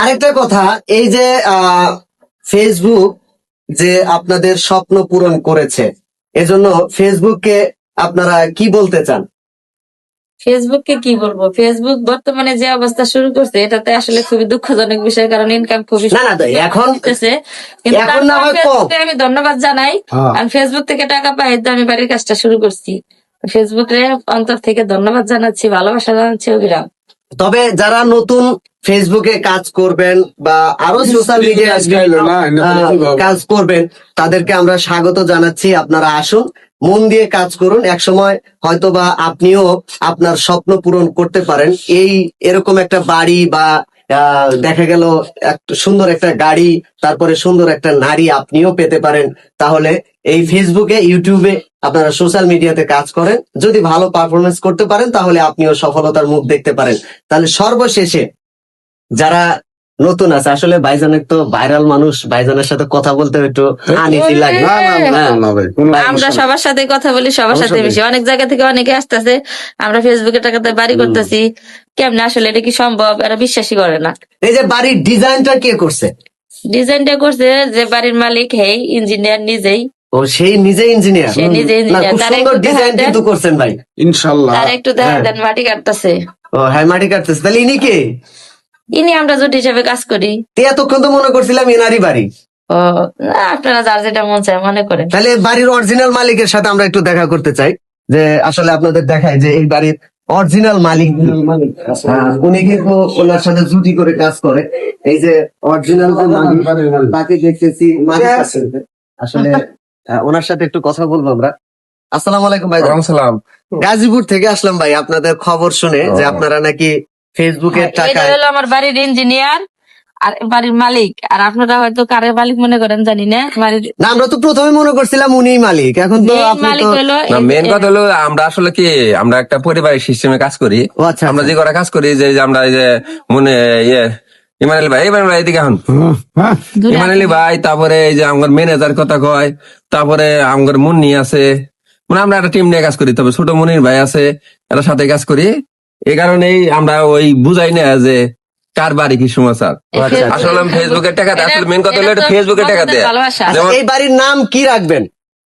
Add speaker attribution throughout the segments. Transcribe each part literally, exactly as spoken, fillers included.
Speaker 1: আরেকটা কথা, এই যে আহ ফেসবুক যে আপনাদের স্বপ্ন পূরণ করেছে, এজন্য ফেসবুককে আপনারা কি বলতে চান?
Speaker 2: ফেসবুককে কি বলবো, ফেসবুক বর্তমানে যে অবস্থা শুরু করছে এটাতে আসলে খুবই দুঃখজনক বিষয়, কারণ ইনকাম খুবই
Speaker 1: না না ভাই, এখন
Speaker 2: হইতেছে। কিন্তু
Speaker 1: এখন না
Speaker 2: তারপর
Speaker 1: হয় কম।
Speaker 2: ফেসবুকে আমি ধন্যবাদ জানাই,
Speaker 1: হ্যাঁ।
Speaker 2: কারণ ফেসবুক থেকে টাকা পাই তো আমি বাড়ির কাজটা শুরু করছি। ফেসবুকে অন্তর থেকে ধন্যবাদ জানাচ্ছি, ভালোবাসা জানাচ্ছি অবিরাম।
Speaker 1: তবে যারা নতুন ফেসবুকে কাজ করবেন বা আরো সোশ্যাল মিডিয়ায় কাজ করবেন, তাদেরকে আমরা স্বাগত জানাচ্ছি। আপনারা আসুন, মন দিয়ে কাজ করুন। একসময় হয়তো বা আপনিও আপনার স্বপ্ন পূরণ করতে পারেন। এই এরকম একটা বাড়ি বা আহ, দেখা গেল একটা সুন্দর একটা গাড়ি, তারপরে সুন্দর একটা নারী আপনিও পেতে পারেন। তাহলে এই ফেসবুকে, ইউটিউবে আপনারা সোশ্যাল মিডিয়াতে কাজ করেন, যদি ভালো পারফরমেন্স করতে পারেন তাহলে আপনিও সফলতার মুখ দেখতে পারেন। তাহলে সর্বশেষে যারা নতুন আছে, আসলে ভাইজানের তো ভাইরাল মানুষ, ভাইজানের সাথে কথা বলতে একটু আনইজি লাগে।
Speaker 2: আমরা সবার সাথে কথা বলি, সবার সাথে বেশি, অনেক জায়গা থেকে অনেকে আসতেছে, আমরা ফেসবুকে টাকাতে বাড়ি করতেছি, কেমনে আসলে এটা কি সম্ভব, এরা বিশ্বাসই করে না।
Speaker 1: এই যে বাড়ির ডিজাইনটা কে করছে?
Speaker 2: ডিজাইনটা করছে যে বাড়ির মালিক, হেই ইঞ্জিনিয়ার নিজেই।
Speaker 1: ও, সেই নিজে ইঞ্জিনিয়ার?
Speaker 2: সে নিজে
Speaker 1: না,
Speaker 2: ইঞ্জিনিয়ার।
Speaker 1: খুব
Speaker 2: তার
Speaker 1: সুন্দর
Speaker 2: একটু
Speaker 1: ডিজাইন
Speaker 2: দেখা দেন,
Speaker 1: কিন্তু করছেন ভাই, ইনশাআল্লাহ।
Speaker 2: তার একটু দেখা দেন, মাটি কাটতেছে।
Speaker 1: ও হ্যাঁ, মাটি কাটতেছে। তাহলে ইনি কে?
Speaker 2: ইনি আমরা জুট হিসেবে কাজ করি।
Speaker 1: তে এতক্ষণ তো মনে করছিলাম এনারই বাড়ি।
Speaker 2: ও না, আপনারা যার যেটা মন চায় মনে করেন।
Speaker 1: তাহলে বাড়ির অরিজিনাল মালিকের সাথে আমরা একটু দেখা করতে চাই, যে আসলে আপনাদের দেখায় যে এই বাড়ির অরিজিনাল মালিক হ্যাঁ, উনি কিন্তু ওনার সাথে জুটি করে কাজ করে। এই যে অরিজিনাল তাকে দেখতেছি মালিক আছে। আসলে আহ, ওনার সাথে একটু কথা বলবো আমরা। আসসালামু আলাইকুম ভাই।
Speaker 3: সালাম।
Speaker 1: গাজীপুর থেকে আসলাম ভাই, আপনাদের খবর শুনে যে আপনারা নাকি ফেসবুকের
Speaker 2: এটা
Speaker 1: টাকায়।
Speaker 2: হলো আমার বাড়ির ইঞ্জিনিয়ার আর বাড়ির মালিক, আর আপনারা হয়তো কারের মালিক মনে করেন জানি না। বাড়ির
Speaker 1: না, আমরা তো প্রথমে মনে করছিলাম উনিই মালিক, এখন তো
Speaker 2: main
Speaker 1: আপনি
Speaker 2: মালিক
Speaker 1: তো।
Speaker 2: হলো
Speaker 3: না,
Speaker 2: এই-
Speaker 3: মেন কথা হলো আমরা আসলে কি, আমরা একটা পরিবারের সিস্টেমে কাজ করি।
Speaker 1: ও আচ্ছা,
Speaker 3: আমরা
Speaker 1: আচ্ছা।
Speaker 3: যে করা কাজ করি, যে যে আমরা এই যে মনে ইয়ে ইমানুয়েল ভাই, ইমানুয়েল ভাই এদিকে এখন
Speaker 2: দূরে
Speaker 3: ইমানুয়েল ভাই, তারপরে এই যে আমার ম্যানেজার কথা কয়, তারপরে আমার মুন্নি আছে, মানে আমরা একটা টিম নিয়ে কাজ করি। তবে ছোট মুনির ভাই আছে, এর সাথে কাজ করি। এই কারণেই আমরা ওই বুঝাই না যে কার বাড়ি কি সমাচার।
Speaker 2: এই
Speaker 1: আচ্ছা,
Speaker 2: ফেসবুক-
Speaker 3: আসলে ফেসবুকের টাকা দেয়, আসলে মেন কথা হলো
Speaker 2: এটা
Speaker 3: এটা
Speaker 2: তো
Speaker 3: ফেসবুকের টাকা
Speaker 2: বন্ধুদের
Speaker 3: দেয়।
Speaker 2: ভালোবাসা।
Speaker 1: আচ্ছা,
Speaker 3: যেমন
Speaker 1: এই বাড়ির নাম কি রাখবেন?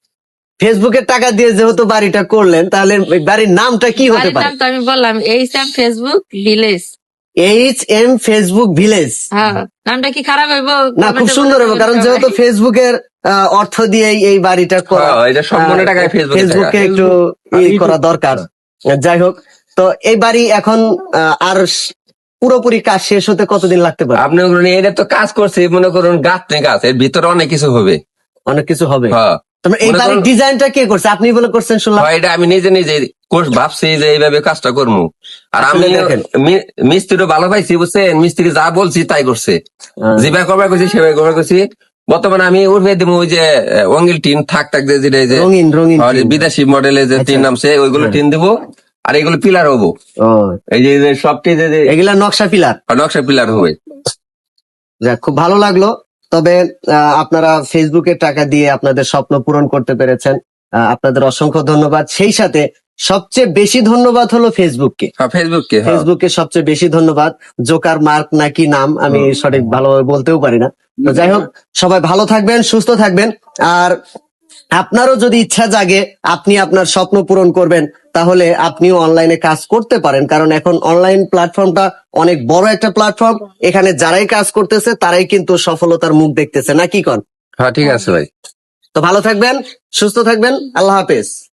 Speaker 1: ফেসবুকের টাকা দিয়ে যেহেতু বাড়িটা করলেন, তাহলে এই বাড়ির নামটা কি হতে
Speaker 2: বাড়ির
Speaker 1: পারে?
Speaker 2: নাম তো আমি বললাম, এই Sam Facebook village.
Speaker 1: H M Facebook village.
Speaker 2: হ্যাঁ, নামটা কি খারাপ হইব?
Speaker 1: না, খুব সুন্দর হবে, কারণ যেহেতু ফেসবুকের আহ, অর্থ দিয়েই এই বাড়িটা করা,
Speaker 3: হ্যাঁ, এটা সম্পূর্ণ
Speaker 1: আহ,
Speaker 3: টাকায় ফেসবুকের
Speaker 1: ফেসবুকে
Speaker 3: টাকা।
Speaker 1: একটু ই করা দরকার। যাই হোক, তো এই বাড়ি এখন আহ, আর স- পুরোপুরি কাজ শেষ হতে কতদিন লাগতে পারে?
Speaker 3: আপনি মনে করুন এটা তো কাজ করছে, মনে করুন গাছ নেই, গাছ এর ভিতরে অনেক কিছু হবে।
Speaker 1: অনেক কিছু হবে।
Speaker 3: হ্যাঁ,
Speaker 1: তোমরা এই
Speaker 3: মনে
Speaker 1: বাড়ির
Speaker 3: করুন-
Speaker 1: ডিজাইনটা কে করছে? আপনি বলে করছেন শুনলাম।
Speaker 3: হয় এটা আমি নিজে নিজে কোর্স ভাবছি যে এইভাবে কাজটা করবো। আর আমি
Speaker 1: আসলে দেখেন।
Speaker 3: মি- মিস্ত্রিও ভালো পাইছি, বুঝছেন, মিস্ত্রি যা বলছি তাই করছে।
Speaker 1: আহ,
Speaker 3: যেভাবে করবার করছি সেভাবে করবার করছি। বর্তমানে আমি উঠবে দিব ওই যে অঙ্গিল টিন থাক থাক যে যেটা এই যে
Speaker 1: রঙিন রঙিন
Speaker 3: আর
Speaker 1: টিন।
Speaker 3: বিদেশি মডেলে যে
Speaker 1: আচ্ছা।
Speaker 3: টিন নামছে ওইগুলো
Speaker 1: হ্যাঁ।
Speaker 3: টিন দিব, আর এগুলো পিলার হবো।
Speaker 1: ও,
Speaker 3: এই যে এই যে সবটি যে যে
Speaker 1: এগুলা নকশা পিলার।
Speaker 3: নকশা পিলার হবে।
Speaker 1: যাক, খুব ভালো লাগলো। তবে আহ, আপনারা ফেসবুকের টাকা দিয়ে আপনাদের স্বপ্ন পূরণ করতে পেরেছেন, আহ, আপনাদের অসংখ্য ধন্যবাদ। সেই সাথে সবচেয়ে বেশি ধন্যবাদ হলো ফেসবুককে।
Speaker 3: হ্যাঁ, ফেসবুককে। হ্যাঁ।
Speaker 1: ফেসবুককে সবচেয়ে বেশি ধন্যবাদ। জোকার মার্ক নাকি নাম, আমি সঠিক ভালোভাবে বলতেও পারি না। তো যাই হোক, সবাই ভালো থাকবেন, সুস্থ থাকবেন। আর আপনারও যদি ইচ্ছা জাগে আপনি আপনার স্বপ্ন পূরণ করবেন, তাহলে আপনিও অনলাইনে কাজ করতে পারেন, কারণ এখন অনলাইন প্ল্যাটফর্মটা অনেক বড় একটা প্ল্যাটফর্ম। এখানে যারাই কাজ করতেছে তারাই কিন্তু সফলতার মুখ দেখতেছে, না কি কন?
Speaker 3: হ্যাঁ, ঠিক আছে ভাই।
Speaker 1: তো ভালো থাকবেন, সুস্থ থাকবেন, আল্লাহ হাফেজ।